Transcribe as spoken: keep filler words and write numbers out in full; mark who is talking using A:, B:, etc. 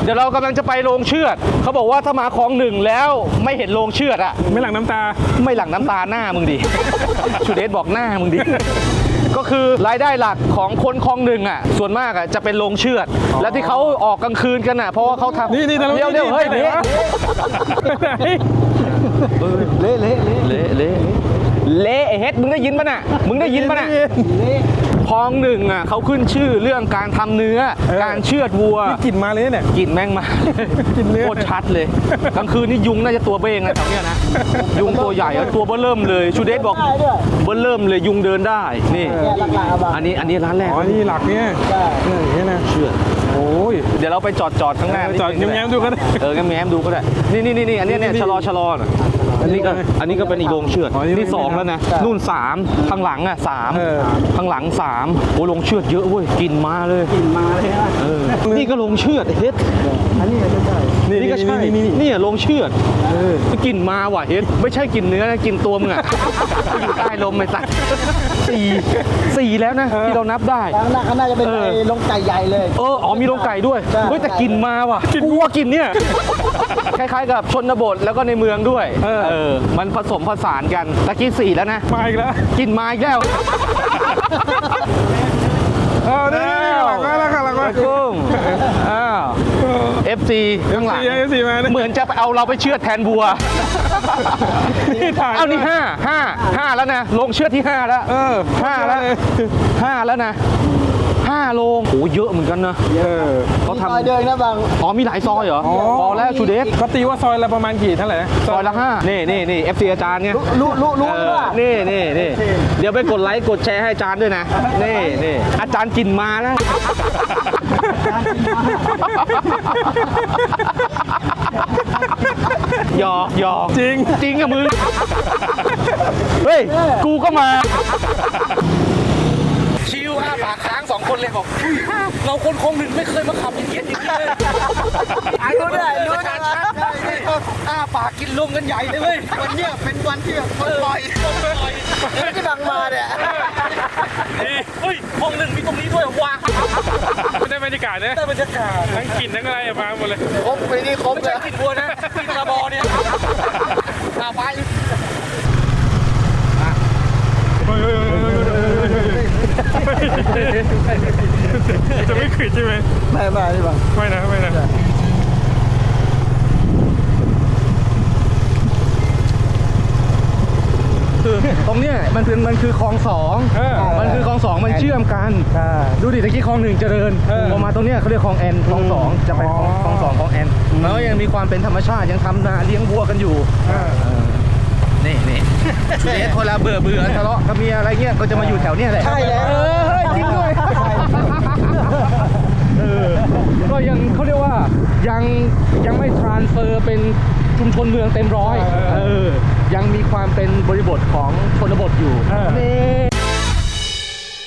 A: เดี๋ยวเรากำลังจะไปโรงเชือดเขาบอกว่าถ้ามาคลองหนึ่งแล้วไม่เห็นโรงเชือดอะ
B: ไม่หลั่งน้ำตา
A: ไม่หลั่งน้ำตาหน้ามึงดิ ชูเดชบอกหน้ามึงดิ ก็คือรายได้หลักของคนคลองหนึ่งอ่ะส่วนมากอ่ะจะเป็นโรงเชือดและที่เขาออกกลางคืนกันอ่ะเพราะว่าเขาทำ
B: นี่นี่
A: เร็วเร็วเฮ้ยเละเละเละเละเละเละไอ้เฮ็ดมึงได้ยินป่ะน่ะมึงได้ยินป่ะน่ะคลองหนึ่งอ่ะเขาขึ้นชื่อเรื่องการทำเนื้อการเชือดวัว
B: กลิ่นมาเลยเนี่ย
A: กลิ่นแม่งมา
B: กินเนื้อ
A: โคตรชัดเลยกลางคืนนี่ยุงน่าจะตัวเบ้งนะแถวเนี้ยนะยุงตัวใหญ่อะตัวเบ้อเริ่มเลยชูเดชบอกเบ้อเริ่มเลยยุงเดินได้นี่อันนี้อันนี้ร้านแรก
B: อ๋อนี่หลักเนี่ยเนี่ยอย่างเงี้ยนะ
A: เชือด
B: โอ้ย
A: เดี๋ยวเราไปจอดจอดข้างหน้า
B: จอดแง้มๆดูก็ได้
A: เออแง้มๆดูก็ได้นี่นี่นี่นี่อันนี้เนี่ย
B: นี่
A: ชะลอชะลอน่ะอันนี้ก็อันนี้ก็เป็นอีกโรงเชือด
B: อ๋อนี่
A: นี่สองแล้วนะนู่นสามข้างหลังอ่ะสาม
B: เออ
A: ข้างหลังสามโอ้โรงเชือดเยอะเว้ยกินมาเลยกินมาเลยเออนี่ก็โรงเชือดเฮ็ด
B: อันนี้ก็ใช่
A: นี่ก็ใช่
B: นี่นี่
A: นี่โรงเชือดกลิ่นมาว่ะเฮ็ดไม่ใช่กลิ่นเนื้อนะกลิ่นตัวมึงอ่ะอยู่ใต้ลมไปสักสี่สี่แล้วนะที่เรานับได้
C: ข้างหน้าข้างหน้าจะเป็น
A: เออ
C: ไอ้ลงไก่ใหญ่เลย
A: เอออ๋อมีโรงไก่ด้วย
C: ใช่
A: เฮ้ยแต่กลิ่นมาว่ะกูว่ากลิ่นเนี่ยคล้ายๆกับชนบทแล้วก็ในเมืองด้วย
B: เออ
A: เออมันผสมผสานกันตะกี้สี่แล้วนะ
B: มาอีกแล้ว
A: กลิ่นมาอีกแล้ว
B: เออนี่หลักมาแล้วค่ะหลักมา
A: กุ้งอ้าว เอฟ ซี ข้างหลัง
B: เอฟซีมาเนี่ย
A: เหมือนจะไปเอาเราไปเชือดแทนบัว
B: นี่ถ่าย
A: เอานี่ห้าห้าห้าแล้วนะลงเชือดที่ห้าแล้ว
B: เออ
A: ห้าแล้วห้าแล้วนะห้าโลงโอ้เยอะเหมือนกันนะ
B: เออ
A: เขา
C: ซ
A: ทำ
C: อยเดินนะบาง
A: อ๋อมีหลายซอยเหรอ
B: อ๋อ
A: พอแล้วชูเดช
B: เขาตีว่าซอยละประมาณกี่เท่าไหร่นะ
A: ซอยละห้านี่นี่นี่เอฟซีอาจารย์เนี่ย
C: รู้รู้รู้
A: เอ
C: หรือ
A: อ
C: เปล่า
A: นี่นี่นี่เดี๋ยวไปกดไลค์กดแชร์ให้อาจารย์ด้วยนะ นี่นี่อาจารย์กินมาแล้วหยอกหยอก
B: จริง
A: จริงอะมึง เฮ้ย กูก็มา ชิวอ้าปากค้างสองคนเลยบอกเราคนคงหนึ่งไม่เคยมาขับอย่างเงี้ยอย่างนี้เลย
C: รู้ได้รู้ได้
A: อ้าปากกินลมกันใหญ่เลยเว้ย
C: วันเนี้ยเป็นวันที่แบบปล่อยที่บังมาเนี่ย
A: เฮ้ยห้องหนึ่งมีตรงนี้ด้วยว้า
B: ไม่ได้บรรยากาศนะ
A: ได้บรรยากาศ
B: ทั้งกลิ่นทั้งอะไรมาหมดเลย
C: ครบไปนี่ครบ
A: ไม่
C: เล
A: ใช่
C: ย
A: กลิ่นวัวนะกลิ่นกระบอเนี่ยอาไป
B: จะไม่ขืนใช่ไหม
C: ไม่ไม่ไม่บัง
B: ไม่นะไม่นะ
A: คือตรงเนี้ยมันเป็นมันคือคลองสอง
B: เออ
A: มันคือคลองสองมันเชื่อมกัน
C: ใช่
A: ดูดิตะกี้คลองหนึ่งเจริญ
B: เออ
A: พอมาตรงเนี้ยเขาเรียกคลองแอนคลองสองจะไปคลองคลองสองคลองแอนแล้วยังมีความเป็นธรรมชาติยังทำนาเลี้ยงวัวกันอยู่ นี่นี่ชูเดชคนละเบื่อเบื่อทะเลาะกับเมียอะไรเงี้ยก็จะมาอยู่แถวเนี้ยแหละ
C: ใช่แล้ว
A: เออเฮ้ยจริงด้วยเออก็ยังเขาเรียกว่ายังยังไม่ทรานสเฟอร์เป็นชุมชนเมืองเต็มร้อยเออยังมีความเป็นบริบทของชนบทอยู่นี่